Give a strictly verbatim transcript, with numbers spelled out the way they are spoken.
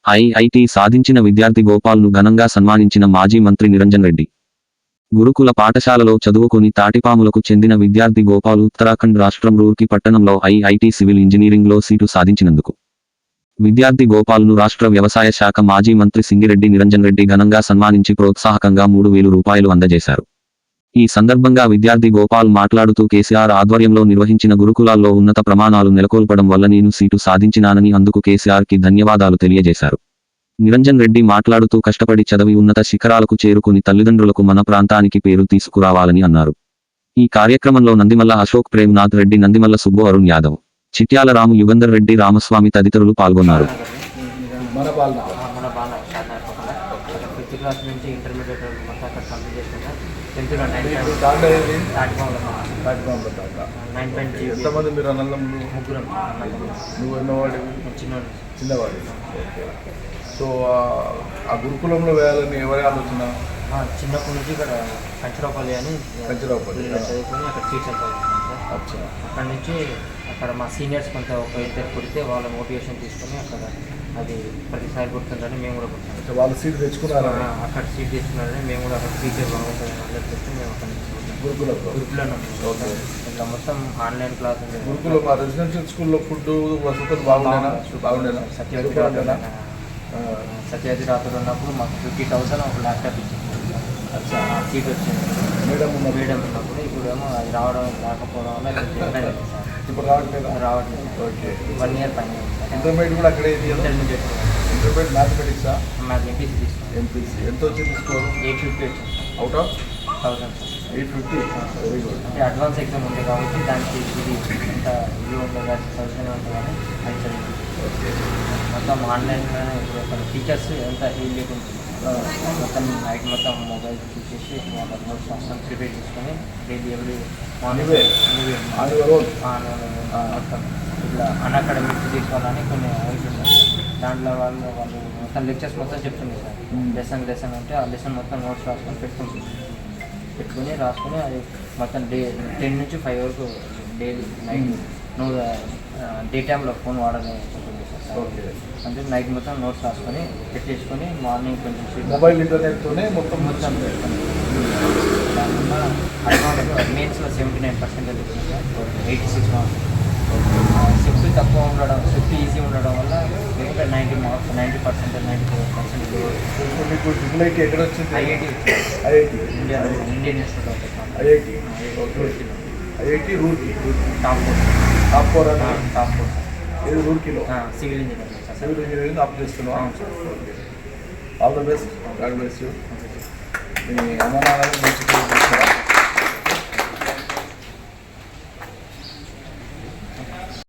IIT సాధించిన విద్యార్థి గోపాల్ను ఘనంగా సన్మానించిన మాజీ మంత్రి నిరంజన్ రెడ్డి. గురుకుల పాఠశాలలో చదువుకొని తాటిపాములకు చెందిన విద్యార్థి గోపాల్ ఉత్తరాఖండ్ రాష్ట్రం రూర్కీ పట్టణంలో ఐఐటి సివిల్ ఇంజనీరింగ్లో సీటు సాధించినందుకు విద్యార్థి గోపాల్ను రాష్ట్ర వ్యవసాయ శాఖ మాజీ మంత్రి సింగిరెడ్డి నిరంజన్ రెడ్డి ఘనంగా సన్మానించి ప్రోత్సాహకంగా మూడు వేలు రూపాయలు అందజేశారు. ఈ సందర్భంగా విద్యార్థి గోపాల్ మాట్లాడుతూ కేసీఆర్ ఆధ్వర్యంలో నిర్వహించిన గురుకులాల్లో ఉన్నత ప్రమాణాలు నెలకొల్పడం వల్ల నేను సీటు సాధించినానని అందుకు కేసీఆర్కి ధన్యవాదాలు తెలియజేశారు. నిరంజన్ రెడ్డి మాట్లాడుతూ కష్టపడి చదివి ఉన్నత శిఖరాలకు చేరుకుని తల్లిదండ్రులకు మన ప్రాంతానికి పేరు తీసుకురావాలని అన్నారు. ఈ కార్యక్రమంలో నందిమల్ల అశోక్ ప్రేమ్నాథ్ రెడ్డి, నందిమల్ల సుబ్బు, అరుణ్ యాదవ్, చిట్యాల రాము, యుగంధర్ రెడ్డి, రామస్వామి తదితరులు పాల్గొన్నారు. ఎంతమంది మీరు అన్నదమ్ములు? ముగ్గురం. నువ్వు ఎన్నవాడి? చిన్నవాడి. చిన్నవాడి. ఓకే. సో ఆ గురుకులంలో వేయాలని ఎవరి ఆలోచన? చిన్నప్పటి నుంచి ఇక్కడ కంచరాపల్లి అని కంచరాపల్లి చదువుకొని అక్కడ సీట్స్ అనుకుంటున్నాను సార్. అక్కడ నుంచి అక్కడ మా సీనియర్స్ కొంత ఒక ఇద్దరు కుడితే వాళ్ళ మోటివేషన్ తీసుకొని అక్కడ అది ప్రతిసారి గుర్తుందని మేము కూడా గుర్తున్నాం. వాళ్ళు సీట్ తెచ్చుకున్నారా? అక్కడ సీట్ తెచ్చుకున్నారని మేము కూడా అక్కడ టీచర్ బాగుంటుంది అందరికి తెచ్చి మేము అక్కడ గురుకుల గురుకులను ఇట్లా మొత్తం ఆన్లైన్ క్లాస్ గురుకుల మా రెసిడెన్షియల్ స్కూల్లో ఫుడ్ వసతులు బాగుండేనా? బాగుండేనా? సత్యవతి రాత్రులు సత్యవతి రాత్రులు ఉన్నప్పుడు మాకు ఫిఫ్టీ థౌసండ్ ఒక ల్యాప్టాప్ ఇచ్చింది. సీట్ వచ్చింది మేడం ఉన్న మేడం ఉన్నప్పుడు. ఇప్పుడు ఏమో అది రావడం రాకపోవడం వల్ల ఇప్పుడు రావట్లేదు. రావట్లేదు. ఓకే. వన్ ఇయర్ పని. ఇంటర్మీడియట్ కూడా అక్కడే? ఇంటర్మీడియట్ ఇంటర్మీడియట్ మ్యాథమెటిక్సా? మాకు ఎంపీసీ తీసుకున్నాం. ఎంపీసీ ఎంత వచ్చింది స్కోర్? ఎయిట్ ఫిఫ్టీ వచ్చింది out of thousand. Eight fifty very good. అంటే అడ్వాన్స్ ఎగ్జామ్ ఉంది కాబట్టి దానికి ఇది ఎంత ఇది ఉంటుంది కానీ థౌసండ్ ఉంటుంది కానీ అది చదివి ఓకే. మొత్తం ఆన్లైన్లోనే ఇప్పుడు టీచర్స్ ఎంత ఏం లేకుండా మొత్తం నైట్ మొత్తం మొబైల్ చూసేసి వాళ్ళ నోట్స్ మొత్తం ప్రిపేర్ చేసుకొని డైలీ ఎవ్రీ మార్నింగ్ మొత్తం ఇట్లా అన్అకాడమిక్ తీసుకోవాలని కొన్ని అవర్స్ ఉన్నాయి. దాంట్లో వాళ్ళు వాళ్ళు మొత్తం లెక్చర్స్ మొత్తం చెప్తుంది సార్. లెసన్ లెసన్ అంటే ఆ లెసన్ మొత్తం నోట్స్ రాసుకొని పెట్టుకుంటుంది. పెట్టుకుని రాసుకొని అది మొత్తం డే టెన్ నుంచి ఫైవ్ వరకు డైలీ నైట్ నువ్వు డే టైంలో ఫోన్ వాడాలని ఉంటుంది సార్. ఓకే. అంటే నైట్ మొత్తం నోట్స్ రాసుకొని పెట్టేసుకొని మార్నింగ్ కొంచెం మొబైల్ ఇంటర్నెట్తోనే మొత్తం మొత్తం పెట్టుకొని దానివల్ల అడ్వాన్స్ మెయిన్స్లో సెవెంటీ నైన్ పర్సెంటేజ్ వచ్చింది sir. Eighty six marks. Shift తక్కువ ఉండడం, షిఫ్ట్ ఈజీ ఉండడం వల్ల ఇంకా ninety marks ninety percentage ninety four percentage మీకు ట్రిపుల్ ఐటీ ఎక్కడ వచ్చింది? IIT IIT India Indian Institute of Technology. IIT IIT Roorkee top four. Top four అన్న టాప్ ఫోర్ ఏది రూర్కీలో? Civil engineering sir. Civil engineering up చేస్తున్నాం. All the best. God bless you. మీ అమ్మ నాన్న